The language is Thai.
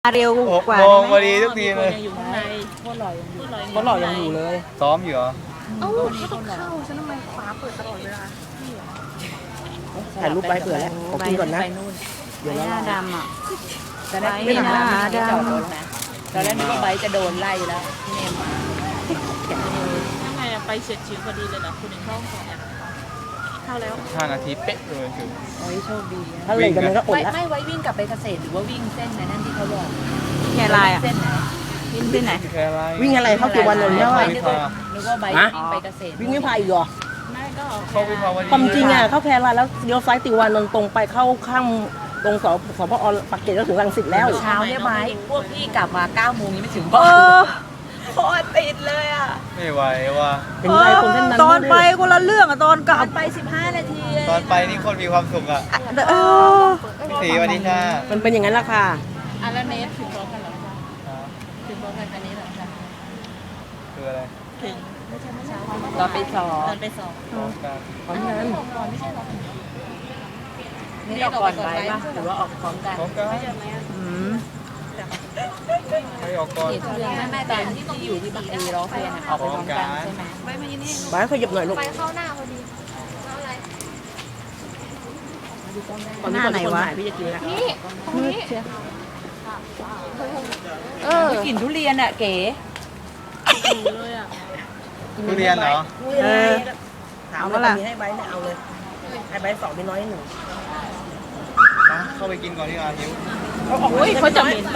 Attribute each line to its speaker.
Speaker 1: เร็ว
Speaker 2: 6
Speaker 1: กว่า
Speaker 2: โมงพอ
Speaker 1: ได้ไหม
Speaker 2: ดีทุกทีเลย
Speaker 3: อยู่ข้างในโคตรหล่อยังอยู่
Speaker 4: เพราะหล่อยังอยู่เลย
Speaker 2: ซ้อมอยู่เหรอ
Speaker 3: เอ้าเขาต้องเข้าฉันทำไมฟ้าเปิดตลอดเวลา
Speaker 4: ถ่ายรูปไว้เผื่อแล้วขอกินก่อนนะ
Speaker 3: ไปนู่น
Speaker 4: เดี๋ยว
Speaker 1: ห
Speaker 4: ละ
Speaker 1: น้า
Speaker 4: ลาย
Speaker 1: ดำอ่ะ
Speaker 3: ตอนแรก
Speaker 1: ไม่
Speaker 3: ไม่
Speaker 1: น่า
Speaker 3: ทำไม่
Speaker 1: ดำ
Speaker 3: จอดรถนะตอนแรกนึกว่าไบค์จะโดนไล่แล้วพี่เนม
Speaker 5: ยังไงอะไปเฉียดฉิวพอดีเลยเหรอคุณเองเข้าของเข้าแล้ว
Speaker 2: 5 นาทีเป๊ะเลยถึง
Speaker 3: โอ้ยโชคดี
Speaker 4: ถ้าเลยกันมันก็อด
Speaker 3: ไม่
Speaker 4: แล้ว
Speaker 3: ไม่ไว้วิ่งกลับไปเกษตรหรือว่าวิ่งเส้นไหนนั่นที่เขาบอก
Speaker 1: แค่ลายอ่ะ
Speaker 3: เส้นไหน
Speaker 1: วิ่งที่ไหน
Speaker 2: แค่ไร
Speaker 4: วิ่งอะไรเข้ากี่วันเลย
Speaker 3: นึ
Speaker 4: เนี่ย
Speaker 3: ก
Speaker 4: ว่า
Speaker 3: ว่าไบค์วิ่งไปเกษตร
Speaker 4: วิ่งไม่พายอีกเหรอ
Speaker 5: ไม่ก็ออก
Speaker 2: เข้าวิภาวดี
Speaker 4: ความจริงอ่ะเข้าแพรลายแล้วเลี้ยวซ้ายติวันนนตรงไปเข้าข้างตรงสพอปากเกร็ดก็ถึงรังสิตแล้ว
Speaker 3: เช้าเนี่ยไบค์พวกพี่กลับมา9 โมงยังไม่ถึง
Speaker 1: เอ
Speaker 3: บ้าน
Speaker 1: อ
Speaker 3: โคตรติดเลยอ่ะ
Speaker 2: ไม่ไหวว่ะ
Speaker 4: เป็นไรคนเส้นนั้น
Speaker 1: ตอนไปคนละเรื่องอ่ะตอนก
Speaker 3: ก
Speaker 1: ลั
Speaker 3: ลั
Speaker 1: บบ
Speaker 3: ไป15 นาที
Speaker 2: ตอนไปนี่คนมีความสุขอ่ะ
Speaker 1: เออ
Speaker 2: พี่สีวันนี้จ้า
Speaker 4: มันเป็นอย่างนั้นละค่ะ
Speaker 3: อ่ะแล้วเนสถึงพร้อมกันเหรอคะถึงพร้อมกันอันนี้เหรอคะ
Speaker 2: คืออะไร
Speaker 3: ตอนไปสอบ
Speaker 5: ตอนไปสอบ
Speaker 2: พร้อมกัน
Speaker 4: พร้อมกัน
Speaker 3: นี่ออกก่อนไปป่ะหรือว่าออกพร้อมกัน
Speaker 2: พร้อมกัน
Speaker 1: อืม
Speaker 2: ใครออกก่อน
Speaker 3: เดือนแม่ตอนที่อยู่ที่บักรีร้องเพลงออกไปพร้อมกันใช่ไหม
Speaker 4: บ้านขยับหน่อยลูก
Speaker 5: ไปเข้าหน้าพอดี
Speaker 4: ตอนนี้คนถ่ายพี่จะกินแล้ว
Speaker 3: ไม่กลิ่นทุเรียนอ่ะเก๋
Speaker 5: เลยอ่ะ
Speaker 2: ทุเรียนเหรอ
Speaker 1: เออ
Speaker 4: ถามว่ามีให้ใบเนี่ยเอาเลยให้ใบ2มีน้อย1
Speaker 2: เข้าไปกินก่อนที่อาหิว
Speaker 4: เอาออก
Speaker 5: โอ้ยเขาจะเหม็น